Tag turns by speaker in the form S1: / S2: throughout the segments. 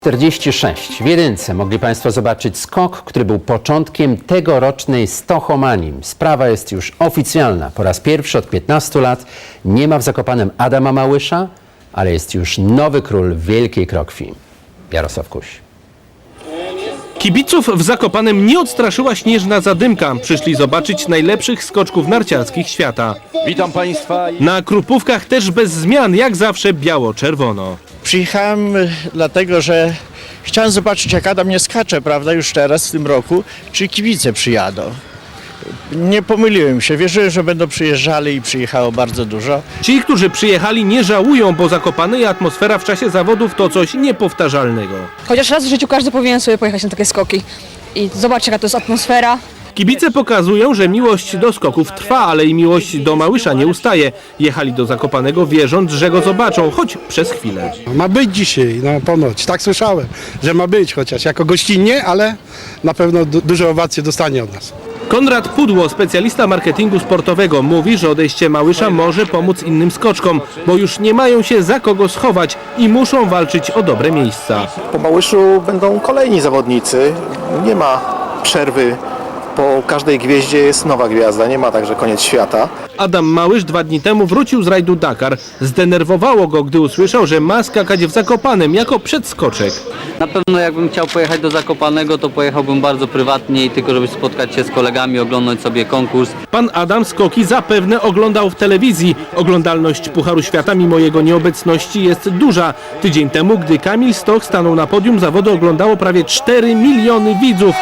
S1: 46. W jedynce mogli Państwo zobaczyć skok, który był początkiem tegorocznej Stochomanii. Sprawa jest już oficjalna. Po raz pierwszy od 15 lat nie ma w Zakopanem Adama Małysza, ale jest już nowy król Wielkiej Krokwi. Jarosław Kuś.
S2: Kibiców w Zakopanem nie odstraszyła śnieżna zadymka. Przyszli zobaczyć najlepszych skoczków narciarskich świata.
S3: Witam Państwa.
S2: Na Krupówkach też bez zmian, jak zawsze biało-czerwono.
S4: Przyjechałem dlatego, że chciałem zobaczyć, jak Adam nie skacze, prawda, już teraz w tym roku, czy kibice przyjadą. Nie pomyliłem się, wierzyłem, że będą przyjeżdżali i przyjechało bardzo dużo.
S2: Ci, którzy przyjechali, nie żałują, bo Zakopane i atmosfera w czasie zawodów to coś niepowtarzalnego.
S5: Chociaż raz w życiu każdy powinien sobie pojechać na takie skoki i zobaczyć, jaka to jest atmosfera.
S2: Kibice pokazują, że miłość do skoków trwa, ale i miłość do Małysza nie ustaje. Jechali do Zakopanego wierząc, że go zobaczą, choć przez chwilę.
S6: Ma być dzisiaj, no ponoć, tak słyszałem, że ma być, chociaż jako gościnnie, ale na pewno duże owacje dostanie od nas.
S2: Konrad Pudło, specjalista marketingu sportowego, mówi, że odejście Małysza może pomóc innym skoczkom, bo już nie mają się za kogo schować i muszą walczyć o dobre miejsca.
S7: Po Małyszu będą kolejni zawodnicy, nie ma przerwy, po każdej gwieździe jest nowa gwiazda, nie ma także koniec świata.
S2: Adam Małysz 2 dni temu wrócił z rajdu Dakar. Zdenerwowało go, gdy usłyszał, że ma skakać w Zakopanem jako przedskoczek.
S8: Na pewno jakbym chciał pojechać do Zakopanego, to pojechałbym bardzo prywatnie i tylko żeby spotkać się z kolegami, oglądać sobie konkurs.
S2: Pan Adam skoki zapewne oglądał w telewizji. Oglądalność Pucharu Świata mimo jego nieobecności jest duża. Tydzień temu, gdy Kamil Stoch stanął na podium, zawody oglądało prawie 4 miliony widzów.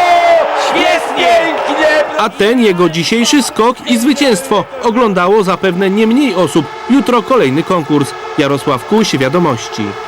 S2: A ten jego dzisiejszy skok i zwycięstwo oglądało zapewne nie mniej osób. Jutro kolejny konkurs. Jarosław Kuś, Wiadomości.